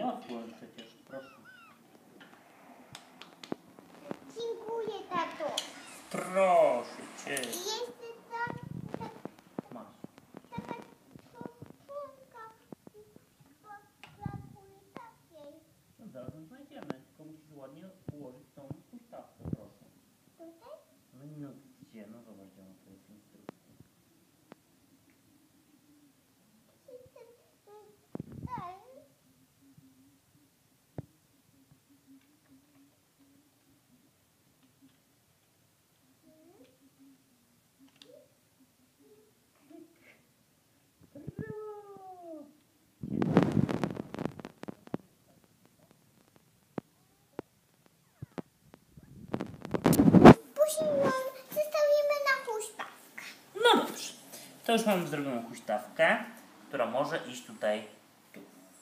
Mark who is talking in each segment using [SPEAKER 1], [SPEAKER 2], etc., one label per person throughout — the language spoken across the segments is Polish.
[SPEAKER 1] Nie odpłyń przecież, proszę.
[SPEAKER 2] Dziękuję, tato.
[SPEAKER 1] Proszę cię.
[SPEAKER 2] Jest
[SPEAKER 1] Masz.
[SPEAKER 2] taka czosnka brakuje takiej.
[SPEAKER 1] No zaraz ją znajdziemy, tylko musisz ładnie ułożyć tą huśtawkę, proszę.
[SPEAKER 2] Tutaj?
[SPEAKER 1] No gdzie? No zobacz, gdzie ona to jest instrukcja.
[SPEAKER 2] Później ją zostawimy na huśtawkę.
[SPEAKER 1] No dobrze. To już mamy zrobioną huśtawkę, która może iść tutaj, tu.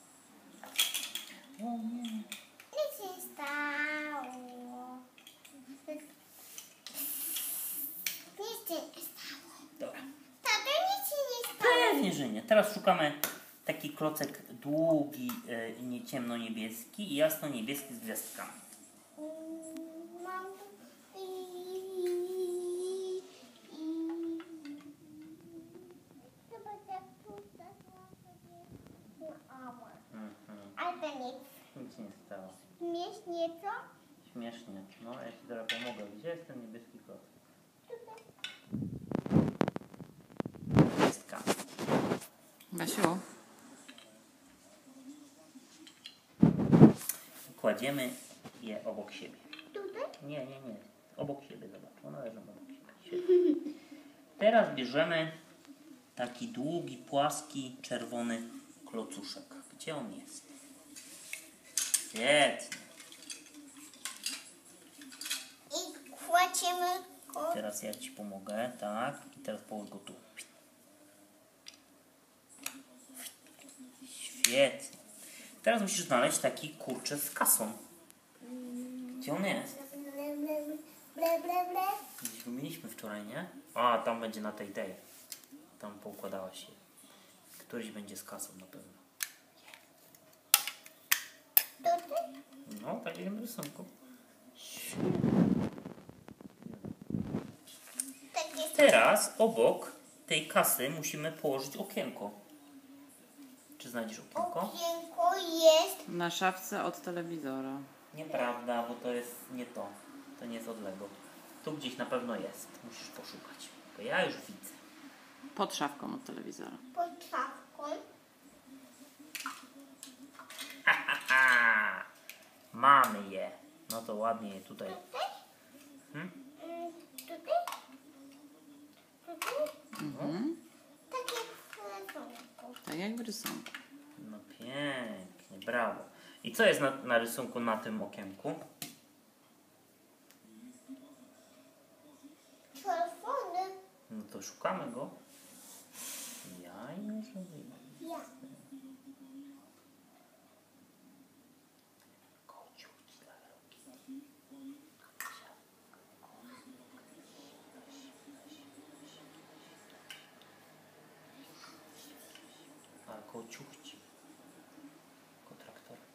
[SPEAKER 1] O nie.
[SPEAKER 2] Nic się stało. Nic się nie stało.
[SPEAKER 1] Dobra.
[SPEAKER 2] Tato, nic się nie stało.
[SPEAKER 1] Pewnie, że nie. Teraz szukamy taki klocek długi, nie ciemno-niebieski i jasno-niebieski z gwiazdkami.
[SPEAKER 2] Mam tu zobacz, jak tu zasłam sobie na ała. Ale to nic.
[SPEAKER 1] Nic się nie stało.
[SPEAKER 2] Śmiesznie, co?
[SPEAKER 1] Śmiesznie. No, ja ci teraz pomogę. Gdzie jest ten niebieski klocek?
[SPEAKER 2] Tutaj.
[SPEAKER 1] Gwiazdka.
[SPEAKER 3] Basiu,
[SPEAKER 1] Kładziemy je obok siebie.
[SPEAKER 2] Tutaj?
[SPEAKER 1] Nie. Obok siebie, zobacz. One leżą obok siebie. Świetnie. Teraz bierzemy taki długi, płaski, czerwony klocuszek. Gdzie on jest? Świetnie.
[SPEAKER 2] I kładziemy go.
[SPEAKER 1] Teraz ja ci pomogę, tak? I teraz połóż go tu. Świetnie. Teraz musisz znaleźć taki kurczę z kasą. Gdzie on jest?
[SPEAKER 2] Ble, ble, ble.
[SPEAKER 1] Gdzieś go mieliśmy wczoraj, nie? A, tam będzie na tej. Tam poukładała się. Któryś będzie z kasą na pewno.
[SPEAKER 2] Tutaj?
[SPEAKER 1] No, tak jak w rysunku.
[SPEAKER 2] Tak jest.
[SPEAKER 1] Teraz obok tej kasy musimy położyć okienko. Czy znajdziesz okienko?
[SPEAKER 2] Okienko jest.
[SPEAKER 3] na szafce od telewizora.
[SPEAKER 1] Nieprawda, bo to jest nie to. To nie jest od Lego. Tu gdzieś na pewno jest. Musisz poszukać. Bo ja już widzę.
[SPEAKER 3] Pod szafką od telewizora.
[SPEAKER 2] Pod szafką.
[SPEAKER 1] Haha! Mamy je. No to ładnie je tutaj.
[SPEAKER 2] Tutaj?
[SPEAKER 1] Hmm?
[SPEAKER 2] Tutaj? Tutaj? Tak jak w rysunku.
[SPEAKER 3] Tak jak w rysunku.
[SPEAKER 1] No pięknie, brawo. I co jest na rysunku na tym okienku?
[SPEAKER 2] Czerwony.
[SPEAKER 1] No to szukamy go. Ja już mówię.
[SPEAKER 2] Ja.
[SPEAKER 1] Kociuć dla Hello Kitty. A kociuchci. Kotraktorka.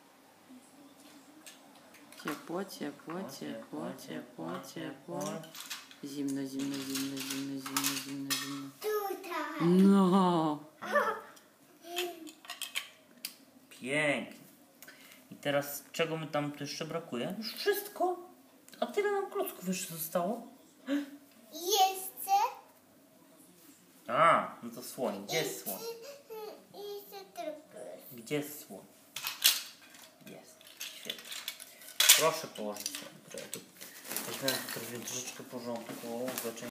[SPEAKER 3] Ciepło, ciepło, ciepło, ciepło, ciepło. Zimno, zimno, zimno, zimno, zimno, zimno, zimno.
[SPEAKER 2] Tutaj.
[SPEAKER 3] No.
[SPEAKER 1] Pięknie. I teraz czego mi tam tu jeszcze brakuje? Już wszystko. A tyle nam klocków jeszcze zostało.
[SPEAKER 2] Jeszcze.
[SPEAKER 1] A, no to słoń. Gdzie jest słoń?
[SPEAKER 2] Jeszcze tylko.
[SPEAKER 1] Gdzie jest słoń? Jest. Świetnie. Proszę położyć słoń. Weźmiemy troszeczkę porządku.